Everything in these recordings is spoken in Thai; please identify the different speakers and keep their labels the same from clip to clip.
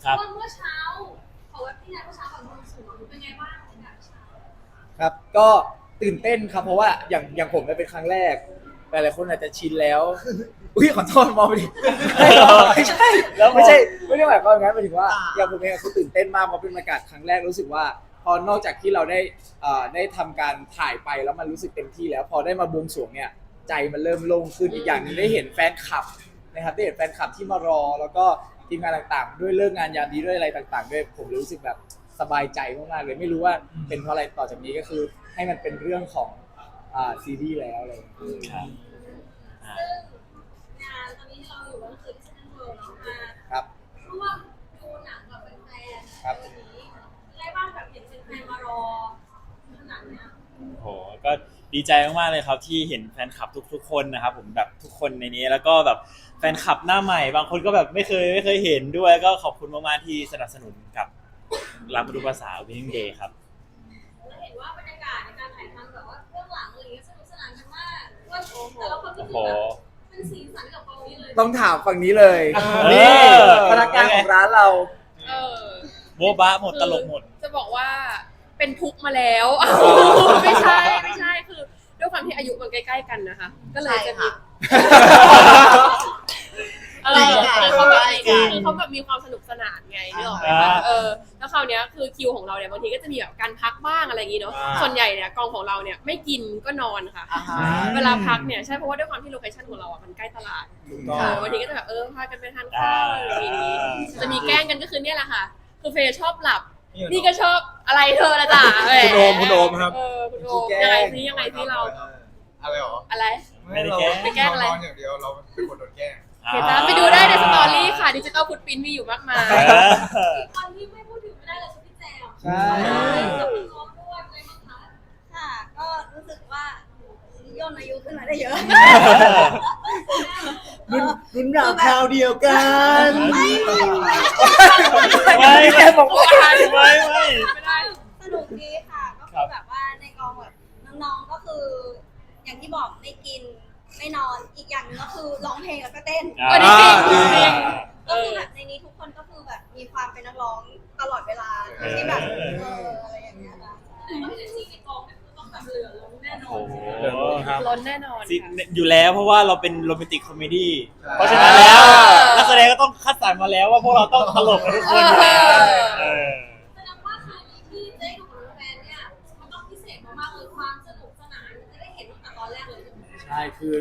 Speaker 1: เมื่อเช้าขอเว็บที่ไหนเมื่อเช้าของบวงสรวงเป็นไงบ้างบรรยากาศเช้า
Speaker 2: ครับก็ตื่นเต้นครับเพราะว่าอย่างผมเนี่ยเป็นครั้งแรกหลายๆคนอาจจะชินแล้วอุ้ยขอโทษมองไปดิไม่ใช่ไม่ได้หมายความอย่างนั้นหมายถึงว่าอย่างผมเองคือตื่นเต้นมากเพราะเป็นบรรยากาศครั้งแรกรู้สึกว่าพอนอกจากที่เราได้ทำการถ่ายไปแล้วมันรู้สึกเต็มที่แล้วพอได้มาบวงสรวงเนี่ยใจมันเริ่มโล่งขึ้นอีกอย่างหนึงได้เห็นแฟนคลับนะครับได้เห็นแฟนคลับที่มารอแล้วก็ทีมงานต่างๆด้วยเลิกงานยามดีด้วยอะไรต่างๆด้วยผมรู้สึกแบบสบายใจมากๆเลยไม่รู้ว่าเป็นเพราะอะไรต่อจากนี้ก็คือให้มันเป็นเรื่องของซีรีส์แล้วอะไรอย่างเงี้ย
Speaker 3: ครับ
Speaker 1: ซึ่งงานตอนนี้เราอยู่ก็คือที่เซ็นทรัลเวิลด์เนาะมา
Speaker 2: ครับ
Speaker 1: ร่วมดูหนังกับแฟนๆ
Speaker 2: ครับ
Speaker 1: วันนี้อะไรบ้างแบบเห็นแฟนๆมารอหนังเนี่ย
Speaker 3: โหก็ดีใจมากๆเลยครับที่เห็นแฟนคลับทุกๆคนนะครับผมแบบทุกคนในนี้แล้วก็แบบแฟนคลับหน้าใหม่บางคนก็แบบไม่เคยเห็นด้วยก็ขอบคุณมากๆที่สนับสนุนกับรับมาดูภาษา Winning Day ครับ
Speaker 1: เราเห็นว่าบรรยากาศในการถ่ายทำแบบว่าเรื่องหลังอะไรเงี้ยสนุกสนานกันมากว่าแต่ละคนก็คือแบบเป็นสีสันกับกองนี้เลย
Speaker 2: ต้องถามฝั่งนี้เลย
Speaker 3: เออ
Speaker 2: นี่พนักงานของร้านเรา
Speaker 4: เออ
Speaker 3: โบ๊ะบ้าหมดตลกหมด
Speaker 4: จะบอกว่าเป็นทุกข์มาแล้ว ไม่ใช่คือด้วยความที่อายุมันใกล้ๆกันนะคะ ก็เลยจะมีคือเขาแบบมีความสนุกสนานไงนึกออกไหมคะแล้วคราวเนี้ยคือคิวของเราเนี่ยบางทีก็จะมีแบบการพักบ้างอะไรอย่างงี้เนาะส่วนใหญ่เนี่ยกองของเราเนี่ยไม่กินก็นอนค่ะเวลาพักเนี่ยใช่เพราะว่าด้วยความที่โลเคชั่นของเราอ่ะมันใกล้ตลาดวันนี้ก็จะแบบพากันไปทานข้าวอะไรอย่างงี้จะมีแกล้งกันก็คือเนี่ยแหละค่ะคือเฟย์ชอบหลับนี่ก็ชอบอะไรเธอละจ้ะ
Speaker 5: คุณโอมครับ
Speaker 4: คุณโอมยังไงซิเรา
Speaker 5: อะไรหรอ
Speaker 4: อะไร
Speaker 3: ไม่ได้แกล้ง
Speaker 4: ไม่แกล้งอะไร
Speaker 5: นอนอย่างเดียวเราเป็นคนโดนแกล้ง
Speaker 4: เดี๋ยวจะไปดูได้ในสตอรี่ค่ะดิจิตอลฟุตปรินท์มีอยู่มากมาย
Speaker 1: อีกคนที่ไม่พูดถึงไม่ได้เลยคือพี่แจม
Speaker 2: ใช่
Speaker 1: กับพี่น้องด้วยอะไรบ้างคะ
Speaker 6: ค่ะ ก็รู้สึกว่าย่นอายุขึ้นมาได้เยอะ
Speaker 2: รุ่นราวคราวเดียวกัน
Speaker 3: ไม่บอกว่าไม่
Speaker 6: สนุกดีค่ะ ก็คือแบบว่าในกองแบบน้องๆ ก็คือ อย่างที่บอกไม่กินไม่นอน อีกอย่างหนึงก็คือร้องเพลงแล้วก็เต้น ก็คือแบบในนี้ทุกคนก็คือแบบมีความเป็นนักร้องตลอดเวลาที่แบบอะไรอย่างเงี้ยค่ะ
Speaker 1: แต่ว่าเอเนอร์จีในกองเนี่ยคือต้องแบบเหลือล้นแน่นอ
Speaker 3: โอ้
Speaker 1: น
Speaker 3: โห
Speaker 5: ครับ
Speaker 4: ล้นแน่นอน
Speaker 3: สิ
Speaker 4: ค่ะ
Speaker 3: อยู่แล้วเพราะว่าเราเป็นโรแมนติกคอมเมดี้เพราะฉะนั้นแล้วนักแสดงก็ต้องคัดสรรมาแล้วว่าพวกเราต้องตลกกันทุกคนอยู่แล้วเออ
Speaker 1: แสดงว่าคืนนี้ที่ได้ดูกับแฟนเนี่ยมันต้องพิเศษมากๆเลยความสนุกสนานจะได้เห็นตั้งแต่ตอนแรกเลย
Speaker 2: ใช่คือ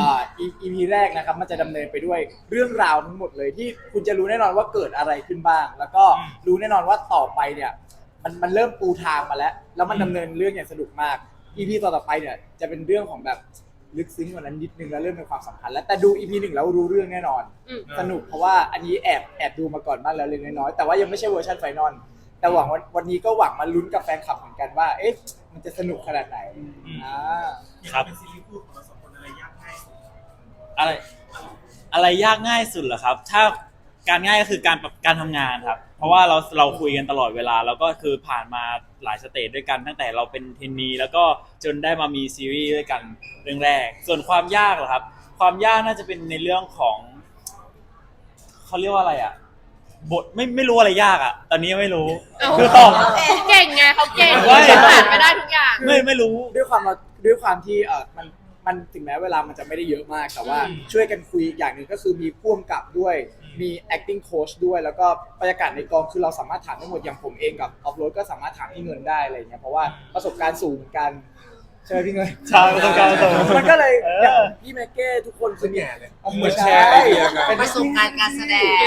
Speaker 2: EP แรกนะครับมันจะดำเนินไปด้วยเรื่องราวทั้งหมดเลยที่คุณจะรู้แน่นอนว่าเกิดอะไรขึ้นบ้าง แล้วก็รู้แน่นอนว่าต่อไปเนี่ยมันเริ่มปูทางมาแล้วมันดำเนินเรื่องอย่างสนุกมาก EP ต่อไปเนี่ยจะเป็นเรื่องของแบบลึกซึ้งกว่านั้นนิดนึงแล้วเริ่มเป็นความสัมพันธ์แล้วแต่ดู EP 1แล้วรู้เรื่องแน่นอน สนุกเพราะว่าอันนี้แอบดูมาก่อนบ้างแล้วเล็กน้อยๆแต่ว่ายังไม่ใช่เวอร์ชันไฟนอลแต่หวังวันนี้ก็หวังมาลุ้นกับแฟนคลับเหมือนกันว่าเอ๊ะมันจะสนุกขนาดไหน
Speaker 3: ครับ
Speaker 5: เป็นซีรีส์คู่ของเราสองคนอะไรยากง่ายสุด
Speaker 3: อะไรยากง่ายสุดเหรอครับ ถ้าการง่ายก็คือการทำงานครับ เพราะว่าเราคุยกันตลอดเวลาแล้วก็คือผ่านมาหลายสเตจด้วยกันตั้งแต่เราเป็นเทรนนีแล้วก็จนได้มามีซีรีส์ด้วยกันเรื่องแรก ส่วนความยากเหรอครับ ความยากน่าจะเป็นในเรื่องของเขาเรียกว่าอะไรอ่ะบทไม่รู้อะไรยากอ่ะ ตอนนี้ไม่รู้คือตอบ
Speaker 4: เขาเก่งไงเขาเก่ง
Speaker 3: ว่า
Speaker 4: ผ่านไปได้ทุกอย่าง
Speaker 3: ไม่รู้
Speaker 2: ด้วยความที่มันถึงแม้เวลามันจะไม่ได้เยอะมากแต่ว่าช่วยกันคุยอย่างหนึ่งก็คือมีพ่วงกับด้วยมี acting coach ด้วยแล้วก็บรรยากาศในกองคือเราสามารถถามได้หมดอย่างผมเองกับออฟโรดก็สามารถถามพี่เงินได้อะไรเงี้ยเพราะว่าประสบการณ์สูงกันใช่ไหมพี่เงิน
Speaker 3: ใช่ประสบการณ์สูง
Speaker 2: มันก็เลย
Speaker 3: เออ
Speaker 2: อย่างพี่แม็กเก้ทุกคนคือ
Speaker 5: แง่เลย
Speaker 2: เหมือนแชร์ไอเดียกัน
Speaker 7: ประสบการณ์การแสดง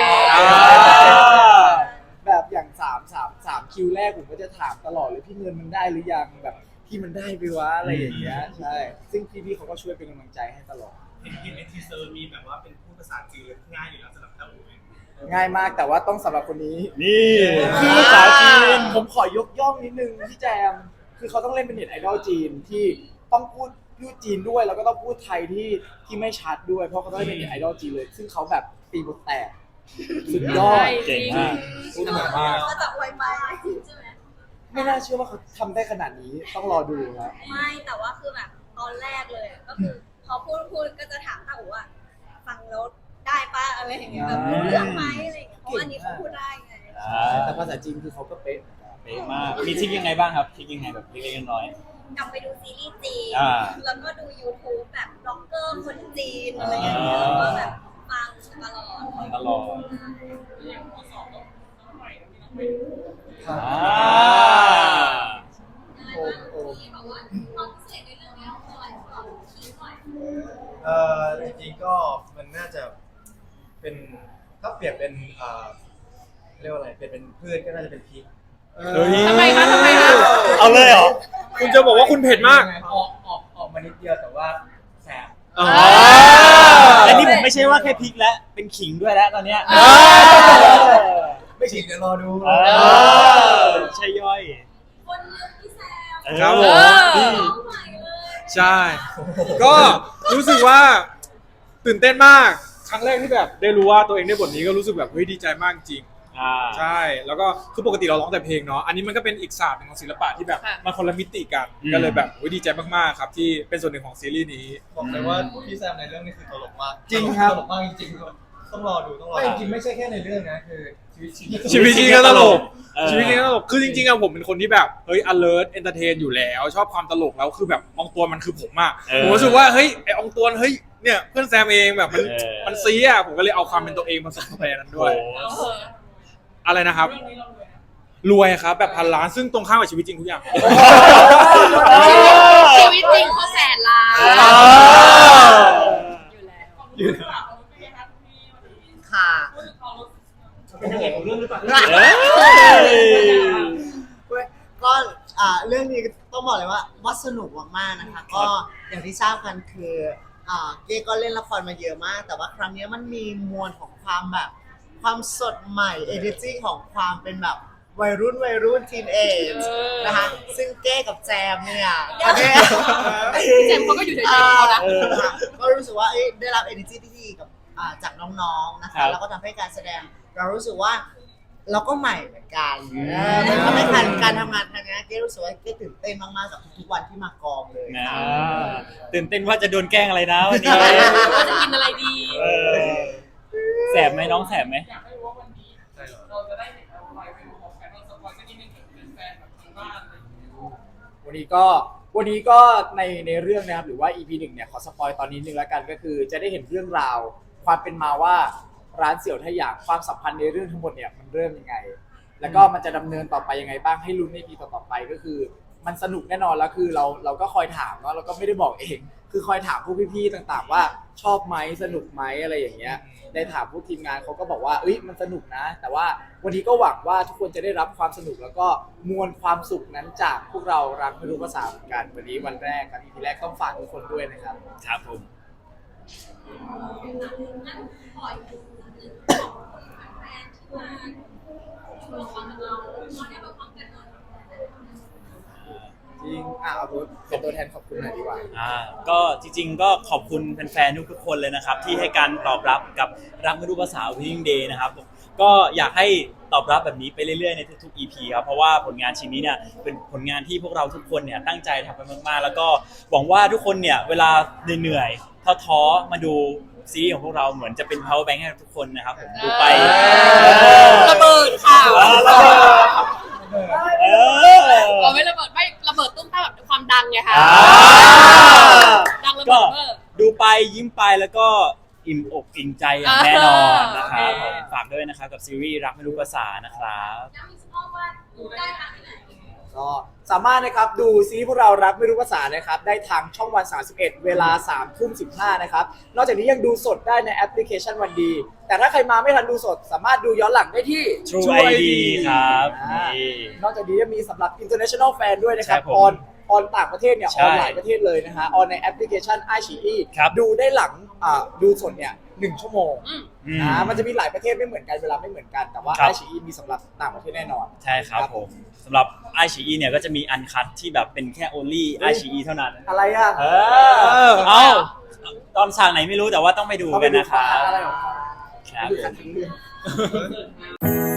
Speaker 2: แบบอย่าง3คิวแรกผมก็จะถามตลอดเลยพี่เงินมันได้หรือยังแบบพี่มันได้ไปวะอะไรอย่างเงี้ยใช่ซึ่งพี่เขาก็ช่วยเป็นกำลังใจให้ตลอด
Speaker 5: เห็นในทีเซอร์มีแบบว่าเป็นพูดภาษาจีนเลยง่ายอยู่แล้วสำหรับเต้าหู้
Speaker 2: ง่ายมากแต่ว่าต้องสำหรับคนนี้
Speaker 3: นี่คือภาษาจีน
Speaker 2: ผมขอยกย่องนิดนึงพี่แจมคือเขาต้องเล่นเป็นเน็ตไอดอลจีนที่ต้องพูดจีนด้วยแล้วก็ต้องพูดไทยที่ไม่ชัดด้วยเพราะเขาต้องเล่นเป็นเน็ตไอดอลจีนเลยซึ่งเขาแบบตีบทแตกสุดยอด
Speaker 3: เก่งมาก
Speaker 2: พูดเหมือนมาก
Speaker 6: ก็จะอวยไป
Speaker 1: ใช่ไหม
Speaker 2: ไม่น่าเชื่อว่าเขาทำได้ขนาดนี้ต้องรอดูครับ
Speaker 6: ไม่แต่ว่าคือแบบตอนแรกเลยก็คือพอพูดก็จะถามตาอู๋ว่าฟังแล้วได้ปะอะไรอย่างเงี้ยแบบรู้เรื่องไหมอะไรอย่างเงี้ยเพราะอันนี้เขาพูดได้ไง
Speaker 2: แต่ภาษาจีนคือเขาก็เป๊ะ
Speaker 3: เป๊ะมากมีทริคยังไงบ้างครับทริคยังไงแบบเล็กๆน้อย
Speaker 6: กลับไปดูซีรีส์จีน
Speaker 3: อ่า
Speaker 6: แล้วก็ดู YouTube แบบบล็อกเกอร์คนจีนอะไรอย่างเงี้ยแล้วก็แบบฟังตลอด
Speaker 3: ๆตลอด
Speaker 2: ครับ
Speaker 3: อ่า
Speaker 2: โอ้โอ้
Speaker 1: ที่บอกว่าความพิเศษในเรื่องนี้คืออะไรของคิดหน่อย
Speaker 7: จริงๆก็มันน่าจะเป็นถ้าเปรียบเป็นเรียกว่าอะไรเปรียบเป็นพืชก็น่าจะเป็นพริก
Speaker 3: เฮ้ย
Speaker 4: ทำไมคะทำไมคะ
Speaker 3: เอาเลยเหรอ
Speaker 8: คุณจะบอกว่าคุณเผ็ดมาก
Speaker 7: ออกมานิดเดียวแต่ว่าแสบ
Speaker 8: อ๋อ
Speaker 3: และนี่ผมไม่ใช่ว่าแค่พริกแล้วเป็นขิงด้วยแล้วตอนเนี้ย
Speaker 7: ไม่ฉีดเดี๋ยวรอดู
Speaker 3: เออใช่ย่อย
Speaker 1: คนเลือกพี่แซม
Speaker 8: ครับผม
Speaker 1: น้องใหม่เลย
Speaker 8: ใช่ ก็รู้สึกว่าตื่นเต้นมาก ครั้งแรกที่แบบได้รู้ว่าตัวเองได้บทนี้ก็รู้สึกแบบเฮ้ยดีใจมากจริง ใช่ แล้วก็คือปกติเราร้องแต่เพลงเนาะ อันนี้มันก็เป็นอีกศาสตร์หนึ่งของศิลปะที่แบบ
Speaker 4: ค่ะ
Speaker 8: มันคนละมิติกัน
Speaker 3: อืม
Speaker 8: ก็เลยแบบโอ้ยดีใจมากๆครับที่เป็นส่วนหนึ่งของซีรีส์นี้
Speaker 7: บอกเลยว่าพี่แซมในเรื่องนี้คือตลกมาก
Speaker 2: จริงครับ
Speaker 7: ตลกมากจริงๆต้องรอดูต้องรอ
Speaker 2: ไม่
Speaker 7: ดู
Speaker 2: จริงๆไม่ใช่แค่ในเรื่องนะคือชีวิตจริง
Speaker 8: ชีวิตจริงก็ตลก
Speaker 3: เออ
Speaker 8: ชีวิตจริงก็ตลก คือจริงๆอะผมเป็นคนที่แบบเฮ้ย alert entertain อยู่แล้ว ชอบความตลกแล้วคือแบบอองตวนมันคือผมอะ
Speaker 3: เออ
Speaker 8: ผมรู้สึกว่าเฮ้ยไออองตวนเฮ้ยเนี่ยเพื่อนแซมเองแบบมัน
Speaker 3: เออ
Speaker 8: มันซีอะผมก็เลยเอาความเป็นตัวเองมาใส่เข้าไปในนั้นด้วย
Speaker 3: โอ้
Speaker 8: อะไรนะครับ รวยครับแบบพันล้านซึ่งตรงข้ามกับชีวิตจริงทุกอย่าง
Speaker 4: ชีวิตจริงเขาแสนล้าน
Speaker 3: อ่า
Speaker 4: อยู่แล้ว
Speaker 9: ค่ะ
Speaker 5: เป็นยังไงของเรื่องหรือเปล่า
Speaker 3: เอ้ย
Speaker 9: ก็เรื่องนี้ต้องบอกเลยว่าสนุกมากๆนะคะ ก็อย่างที่ทราบกันคือเก้ก็เล่นละครมาเยอะมาก แต่ว่าครั้งนี้มันมีมวลของความแบบความสดใหม่ energy ของความเป็นแบบวัยรุ่นทีนเอจนะคะซึ่งเก้กับแจมเนี่ยก็ได้
Speaker 4: เจมส์เขาก็อยู่ในใจของเขานะ
Speaker 9: ก็รู้สึกว่าได้รับ energy ที่ดีกับจากน้องๆนะ
Speaker 3: ครั
Speaker 9: คะ
Speaker 3: บ
Speaker 9: แล้วก็ทำให้การแสดงเรารู้สึกว่าเราก็ใหม่เหมือนกัน
Speaker 3: อืม
Speaker 9: มันทำให้การทำงานครั้งนี้เก้รู้สึกว่าเก้ตื่นเต้นมากๆกับทุกๆวันที่มากองเลย
Speaker 3: นะ
Speaker 9: ค่ะ
Speaker 3: ตื่นเต้นว่าจะโดนแกล้งอะไรนะวันนี้
Speaker 4: ว่าจะกินอะไรดี
Speaker 3: เออแสบไหมน้องแสบไหม
Speaker 5: อยากให้รู้ว่าวันนี้เราจะได้เห็นอะไรไปดูของแฟนเราสปอยสักนิดนึงเป็นแฟนแบบทางบ้านอะไรอย่างเงี้ย
Speaker 2: วันนี้ก็ในเรื่องนะครับหรือว่า EP 1เนี่ยขอสปอยตอนนี้นึงแล้วกันก็คือจะได้เห็นเรื่องราวความเป็นมาว่าร้านเสี่ยวทะหยางความสัมพันธ์ในเรื่องทั้งหมดเนี่ยมันเริ่มยังไง แล้วก็มันจะดำเนินต่อไปยังไงบ้างให้ลุ้นใน EP ต่อๆไปก็คือมันสนุกแน่นอนแล้วคือเราก็คอยถามเนาะเราก็ไม่ได้บอกเอง คือคอยถามพวกพี่ๆต่างๆว่าชอบไหมสนุกไหมอะไรอย่างเงี้ยได้ถามพวกทีมงานเขาก็บอกว่าเอ้ยมันสนุกนะ แต่ว่าวันนี้ก็หวังว่าทุกคนจะได้รับความสนุกแล้วก็มวลความสุขนั้นจากพวกเรารักไม่รู้ภาษาเหมือนกันวันนี้วันแรกครับ EP แรกต้องฝากทุกคนด้วยนะครับ
Speaker 3: ครับผม
Speaker 1: งั้นขออีกหนึ่งของแฟนที่มาดูละครกับเราเราได้มาพร้อมกันหมด
Speaker 2: จริงเอาเป็นตัวแทนขอบคุณหน่อยดีกว่า
Speaker 3: ก็จริงๆก็ขอบคุณแฟนๆทุกๆคนเลยนะครับ ที่ให้การตอบรับกับรักไม่รู้ภาษา Winning Day นะครับก็อยากให้ตอบรับแบบนี้ไปเรื่อยๆในทุกๆ EP ครับเพราะว่าผลงานชิ้นนี้เนี่ยเป็นผลงานที่พวกเราทุกคนเนี่ยตั้งใจทำกันมากๆแล้วก็หวังว่าทุกคนเนี่ยเวลาเหนื่อยๆท้อๆมาดูซีรีส์ของพวกเราเหมือนจะเป็น power bank ให้ทุกคนนะครับผมดูไป
Speaker 4: ระเบิดค่ะ
Speaker 3: เออ
Speaker 4: เอาไม่ระเบิดไม่ระเบิดตุ้มตามแบบความดังไงคะ
Speaker 3: อ่า
Speaker 4: ดังระ
Speaker 3: ก็
Speaker 4: เบิด
Speaker 3: ดูไปยิ้มไปแล้วก็อิ่มอกอิ่มใจอย่างแน่นอนนะครับผมฝากด้วยนะครับกับซีรีส์รักไม่รู้ภาษานะครับ
Speaker 1: ย้ำอีกสักรอบว่าดูได้ทางที่ไหน
Speaker 2: ก็สามารถนะครับดูซีรีส์พวกเรารักไม่รู้ภาษานะครับได้ทางช่องวัน 31 เวลา 3:15 นะครับนอกจากนี้ยังดูสดได้ในแอปพลิเคชันวันดี แต่ถ้าใครมาไม่ทันดูสด สามารถดูย้อนหลังได้ที่
Speaker 3: True ID ครับ
Speaker 2: อ่า
Speaker 3: นี่
Speaker 2: นอกจากนี้ยังมีสำหรับ international fan ด้วยนะครับ
Speaker 3: ใช่ผม
Speaker 2: ออนต่างประเทศเนี่ย
Speaker 3: ใช่
Speaker 2: ออนหลายประเทศเลยนะฮะออนในแอปพลิเคชัน iQIYI
Speaker 3: ครับ
Speaker 2: ดูได้หลังดูสดเนี่ย1 ชั่วโมง
Speaker 3: อืม
Speaker 2: มันจะมีหลายประเทศไม่เหมือนกันเวลาไม่เหมือนกันแต่ว่า
Speaker 3: ครับ
Speaker 2: iQIYI มีสำหรับต่างประเทศแน่นอน
Speaker 3: ใช่ครับ
Speaker 2: ครับ
Speaker 3: ผมสำหรับ iQIYI เนี่ยก็จะมีอันคัทที่แบบเป็นแค่ only iQIYI เท่านั้น
Speaker 2: อะไรอ่ะ
Speaker 3: เอ้าตอนฉากไหนไม่รู้แต่ว่าต้องไปดูกันนะครับ
Speaker 2: อะไรของเขา
Speaker 3: ครับ
Speaker 2: ดู
Speaker 3: ผ
Speaker 2: กัน
Speaker 3: ม
Speaker 2: ทั้งเรื่อง